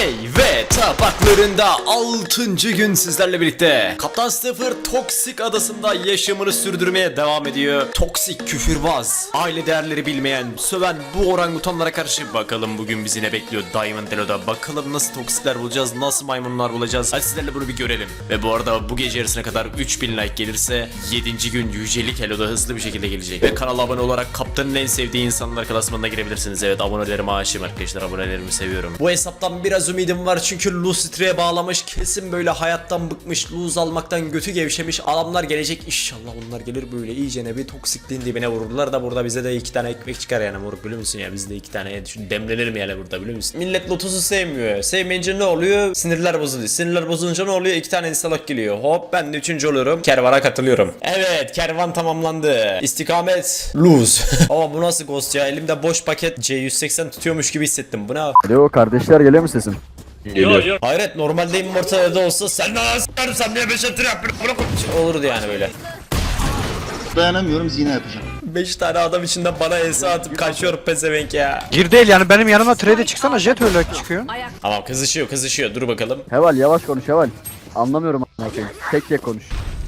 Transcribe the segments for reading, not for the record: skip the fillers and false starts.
ve tabaklarında 6. gün sizlerle birlikte Kaptan Staffer Toksik adasında yaşamını sürdürmeye devam ediyor. Toksik, küfürbaz, aile değerleri bilmeyen, söven bu orangutanlara karşı bakalım bugün bizi ne bekliyor Diamond Elo'da. Bakalım nasıl toksikler bulacağız, nasıl maymunlar bulacağız. Hadi sizlerle bunu bir görelim. Ve bu arada bu gece yarısına kadar 3000 like gelirse 7. gün yücelik Elo'da hızlı bir şekilde gelecek. Ve kanala abone olarak kaptanın en sevdiği insanlar klasmanına girebilirsiniz. Evet, abonelerime aşığım arkadaşlar, abonelerimi seviyorum. Bu hesaptan biraz ümidim var çünkü Lucifer'e bağlamış, kesin böyle hayattan bıkmış, lose almaktan götü gevşemiş adamlar gelecek. İnşallah onlar gelir, böyle iyicene bir toksikliğin dibine vururlar da burada bize de 2 tane ekmek çıkar yani moruk, biliyor musun ya, biz de 2 tane demlenir mi yani burada, biliyor musun? Millet Lotus'u sevmiyor, sevmeyince ne oluyor? Sinirler bozuluyor, sinirler bozulunca ne oluyor? 2 tane instalok geliyor, hop ben de 3. oluyorum, kervana katılıyorum. Evet, kervan tamamlandı, istikamet lose. Ama bu nasıl ghost ya, elimde boş paket C180 tutuyormuş gibi hissettim, bu ne? Alo kardeşler, geliyor mu sesim? Geliyor. Hayret, normalde immortalde olsa sen ne s**erim, sen niye 5 atır yapıyorsun olurdu yani böyle. Dayanamıyorum, zina yapacağım. 5 tane adam içinden bana ense atıp kaçıyor pezevenk ya. Gir değil yani, benim yanıma trade çıksana, jet öyle çıkıyor. Tamam, kızışıyor, dur bakalım. Heval yavaş konuş Heval. Anlamıyorum a**ına koyayım. Tek tek konuş.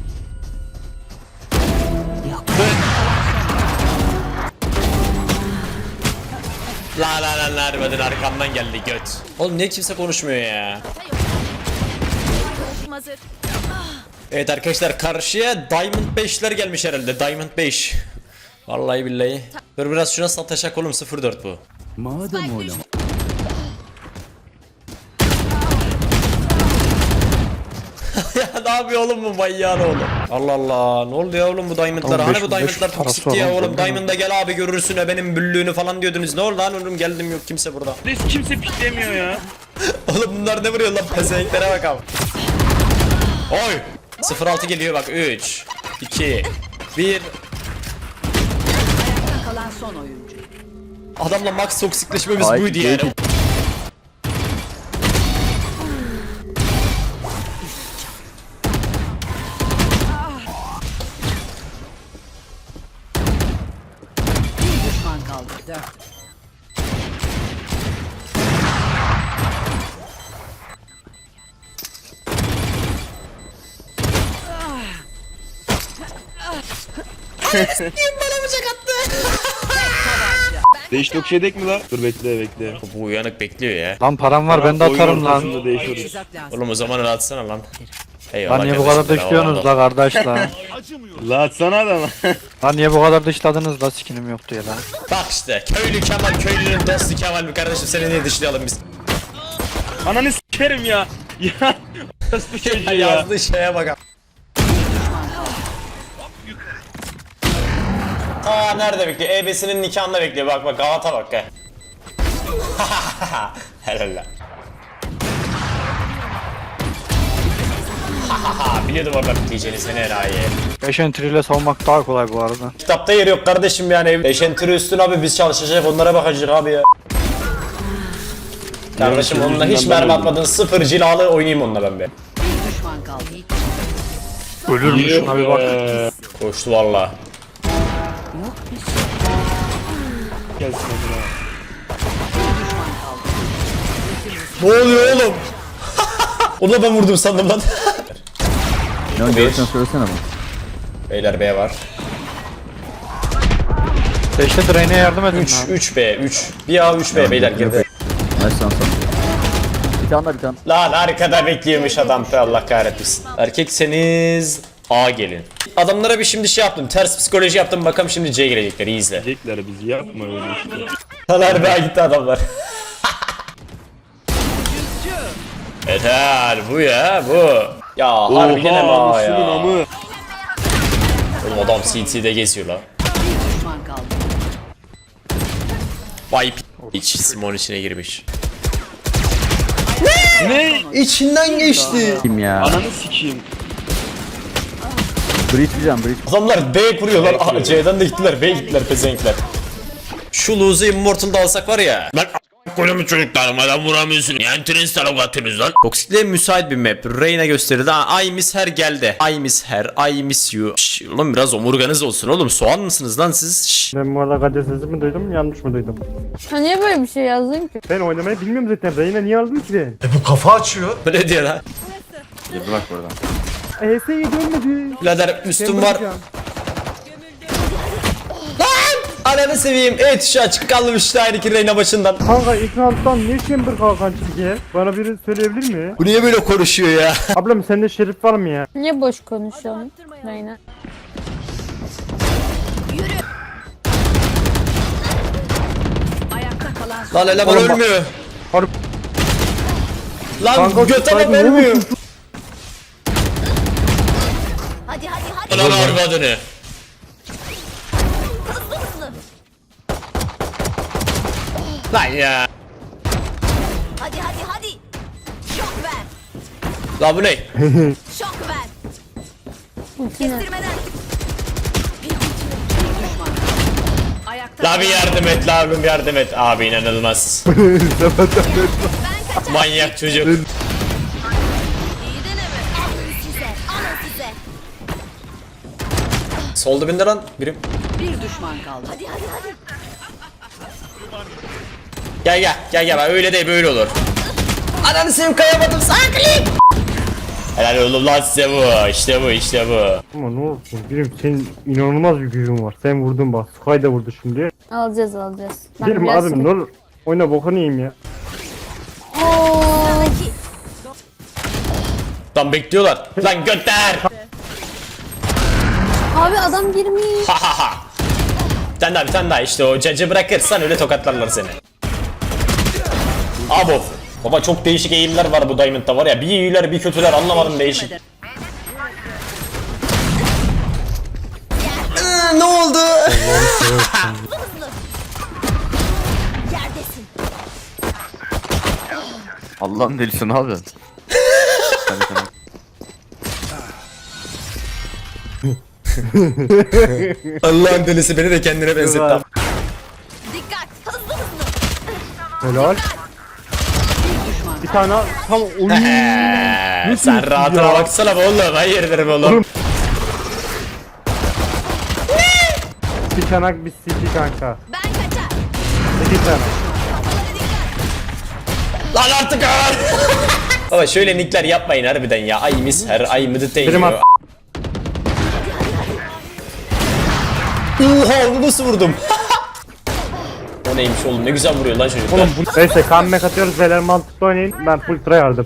La harbiden arkamdan geldi göt. Oğlum niye kimse konuşmuyor ya? Hazır. Evet arkadaşlar, karşıya Diamond 5'ler gelmiş herhalde, Diamond 5. Vallahi billahi. Dur biraz şuna sataşak oğlum, 04 bu. Madem oynama. Ya ne yapıyor oğlum bu manyağın oğlum? Allah Allah, ne oldu ya oğlum bu Diamond'lar? Hani bu Diamond'lar toksikti ya oğlum, Diamond'a gel abi görürsün ya benim büllüğünü falan diyordunuz. Ne oldu lan oğlum, geldim yok kimse burada. Kimse piklemiyor ya. Oğlum bunlar ne vuruyor lan, pezevenklere bakalım. Oy! 06 geliyor bak, 3 2 1. Kalan son oyuncu. Adamla max toksikleşmemiz Ay, buydu yani. Bir düşman kaldı. 4. Değiş tok şey dek mi la? Dur bekle. Bu uyanık bekliyor ya. Lan param var, ben de atarım lan. Değişiyoruz. Tuzak lazım. Oğlum o zaman öyle atsana lan. Eyvallah Lan niye bu kardeşim, kadar bravo, dışlıyorsunuz la kardeş la? La atsana adama. Lan niye bu kadar dışladınız la, skinim yoktu ya la. Bak işte köylü Kemal, köylünün dostu Kemal mi kardeşim, seni niye dışlayalım biz? Ananı s**erim ya. Ya. Nasıl çocuğu ya? Yazdığı şeye bak. Aa nerede bekliyor? EB'sinin nikahında bekliyor. Bak Galata bak ya. Helal lan. Biliyordum orada bitleyeceğini, seni enayi. 5 entry ile savunmak daha kolay bu arada. Kitapta yeri yok kardeşim yani. Eşentürü üstün abi, biz çalışacak onlara bakacak abi ya. Kardeşim onunla hiç mermi atmadın, 0 cilalı oynayayım onunla ben be. Bir düşman kaldı. Ölür mü şuna bir bak. Koştu valla. Gelsin hadi la. Ne oluyor oğlum? Onu da ben vurdum sandım lan. Ne görürsen söylesene bana. Beyler B var. 5'te drain'e yardım edin 3 lan. 3B 3. Bir A 3B beyler girdi. Nice lan sana. Bir tane. Lan arkada bekliyormuş adam, Allah kahretmesin. Erkekseniz A gelin. Adamlara bir şimdi şey yaptım, ters psikoloji yaptım, bakalım şimdi C gelecekler, iyi izle. Diyecekler bizi, yapma öyle işte. Lan B gitti adamlar. Yeter bu ya bu. Ya harbiden ama Oha ya. Müslüm'ün amı. Oğlum adam CT'de geziyor la. Bir düşman kaldı. Vay iç Simon içine girmiş. Ne? İçinden geçti. Kim ya? Ananı sikeyim. Breach diyeceğim, breach. Adamlar B kuruyorlar. C'den de gittiler. B gittiler pezevenkler. Şu lose'u Immortal'da alsak var ya. Ben Kolümü çocuklarım adam vuramıyorsun. Yani tren atıyorsunuz lan. Toksikliğe müsait bir map. Reyna gösterdi. Ha, I miss her geldi. I miss her. I miss you. Şş, oğlum biraz omurganız olsun oğlum. Soğan mısınız lan siz? Şş. Ben bu arada Kadir sesi mi duydum yanlış mı duydum? Ha niye böyle bir şey yazdın ki? Ben oynamayı bilmiyorum zaten. Reyna niye aldın ki? Bu ne diyor lan? Girdi bak buradan. ES'ye dönmedi. Birader üstüm var. bırakacağım. Ananı seveyim. Evet şu açık kalmış işte aynı ki Reyna başından. Kanka ekrandan ne chamber kalkan çizgi? Bana biri söyleyebilir mi? Bu niye böyle konuşuyor ya? Ablam sende şerif var mı ya? Niye boş konuşuyorsun Reyna? Ayakta kalan son Lan eleman Oğlum bak- ölmüyor. Harbi- Lan Kanka, göt adam saygı ölmüyor. Hadi hadi hadi. Lan arvadını. Hızlı hızlı. Lan ya. Hadi hadi hadi. Şok ver. Lan bu ne? Şok ver. Ultine. Kestirmeden. ayakta La bir yardım et la abim yardım et. Abi inanılmaz. Ben kaçar. Manyak çocuk. İyi deneme. Alın size. Alın size. Sol dibinde lan birim. bir düşman kaldı. Hadi hadi hadi. Gel bak öyle değil böyle olur. Ananı seveyim kayamadım saklayayım. Helal oğlum lan size bu. İşte bu. Ama ne olsun birim senin inanılmaz bir gücün var. Sen vurdun bak. Sky da vurdu şimdi. Alacağız. Ben Birim biraz abim ne olur. Oyna bokunu yiyeyim ya. Sıradaki. Lan bekliyorlar. Lan götler. Abi adam girmiş. Ha ha ha. Bir tane daha işte o cacı bırakırsan öyle tokatlarlar seni. Abo. Baba çok değişik eğimler var bu Diamond'da var ya. Bir iyiler bir kötüler anlamadım değişik. Ne oldu? Yerdesin. Allah'ın delisi ne yapıyorsun? Hadi tamam. Allah'ın delisi beni de kendine benzetti. Güzel. Dikkat. Hızlı hızlı. Helal. Bir tane tam oyun. Sen rahatına ya? baksana be oğlum. Hayırdır be oğlum. Bir çanak bir siki kanka. Ben kaçar. İki tane. Lan artık ağır. Baba şöyle nickler yapmayın harbiden ya. Ay mis her ay mıdı değil. Benim at- Oha onu nasıl vurdum? O neymiş oğlum ne güzel vuruyor lan çocuklar. Oğlum bu neyse comeback atıyoruz beyler mantıklı oynayın. Ben full tryhard'ım.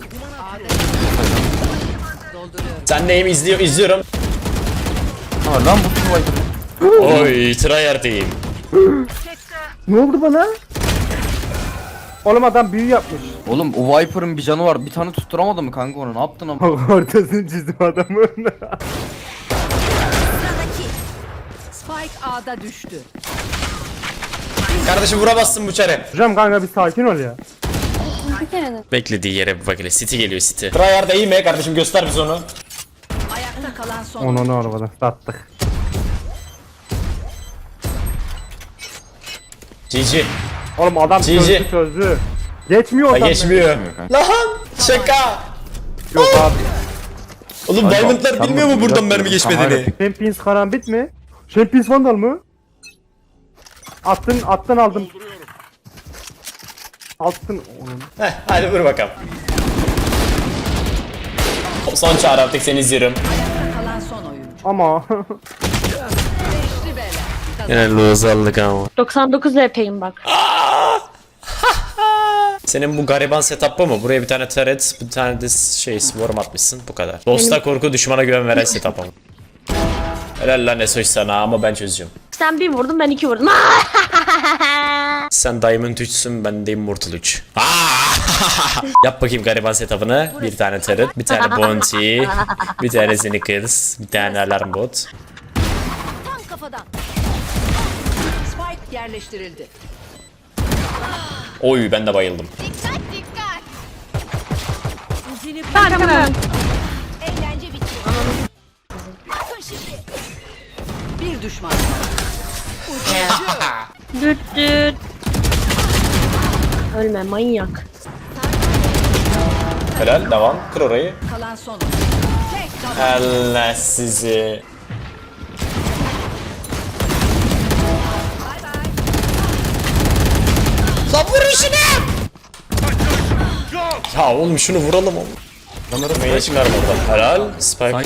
Sen neyim izliyorum. Ha lan bu kim var? Oy tryhard'ıyım. Ne oldu bana? Oğlum adam büyü yapmış. Oğlum o Viper'ın bir canı var. Bir tane tutturamadı mı kanka onu? Ne yaptın ama? Ortasını çizdim adamın. Sıradaki. Spike A'da düştü. Kardeşim vuramazsın bu çare. Hocam kanka bir sakin ol ya. Bir kere de. Beklediği yere bir bak hele. City geliyor City. Tryhard'a iyi mi kardeşim göster bize onu. Ayakta kalan son Onu arabadan sattık. GG. Oğlum adam GG. çözdü. Geçmiyor Ay adam. geçmiyor. Lan şaka. Yok abi. Oğlum Diamond'lar sen bilmiyor mu bunu buradan yapma. mermi geçmediğini? Champions karambit mi? Champions Vandal mı? Attın aldım. Attın onun. Heh hadi vur bakalım. Son çağrı artık seni izliyorum. kalan son oyuncu. Ama Beşli bela. Yine lose aldık ama. 99 LP'yim bak. Senin bu gariban setup bu mu? Buraya bir tane turret, bir tane de şey swarm atmışsın. Bu kadar. Dosta korku, düşmana güven veren setup ama. Helal lan Esoş sana ama ben çözeceğim. Sen bir vurdun ben 2 vurdum. Sen Diamond 3'sün, ben de Immortal 3. Yap bakayım gariban setup'ını. Bir tane turret, bir tane bounty, bir tane sneakers, bir tane alarm bot. Tam kafadan. Spike yerleştirildi. Oy ben de bayıldım. Dikkat dikkat. Eğlence bitti. Bakın şimdi. Bir düşman kaldı. Düt düt. Ölme manyak. Helal devam. Kır orayı. Kalan son oyuncu. Tek tabanca. Allah sizi. Lan vur işini. Ya oğlum şunu vuralım oğlum. Meyve çıkarma oradan. Helal. Spike.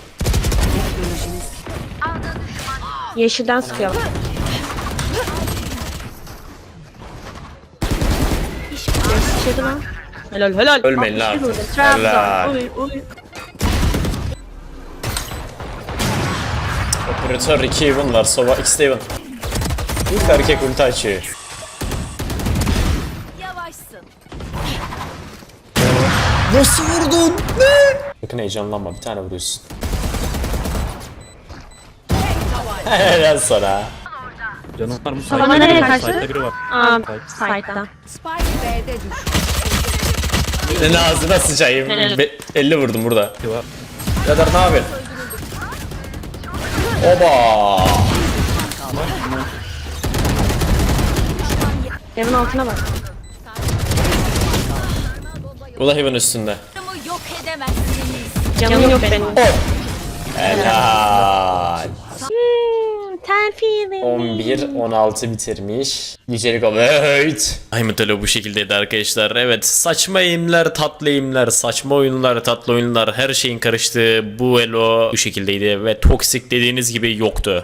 Yeşilden sıkıyor. Yeşil lan. Helal helal. Ölmeyin lan. 62 vurdum. Helal. Trabzon. Oy oy. Operatör 2 even var. Sova X even. İlk erkek ulti açıyor. Yavaşsın. Nasıl vurdun? Ne? Sakın heyecanlanma. Bir tane vuruyorsun. Helal sana. Salama nereye kaçtı? Site'da. Spike B'de düştü. Senin ağzına sıçayım. 50 vurdum burada. Kadar ne yapıyorsun? Oba. Evin altına bak. Bu da Heaven üstünde. Canımı yok edemezsiniz. Canım yok benim. Helal. Ten feeling. 11-16 bitirmiş. Yücelik of evet. Diamond Elo bu şekildeydi arkadaşlar. Evet, saçma aimler, tatlı aimler, saçma oyunlar, tatlı oyunlar, her şeyin karıştığı bu Elo bu şekildeydi ve toksik dediğiniz gibi yoktu.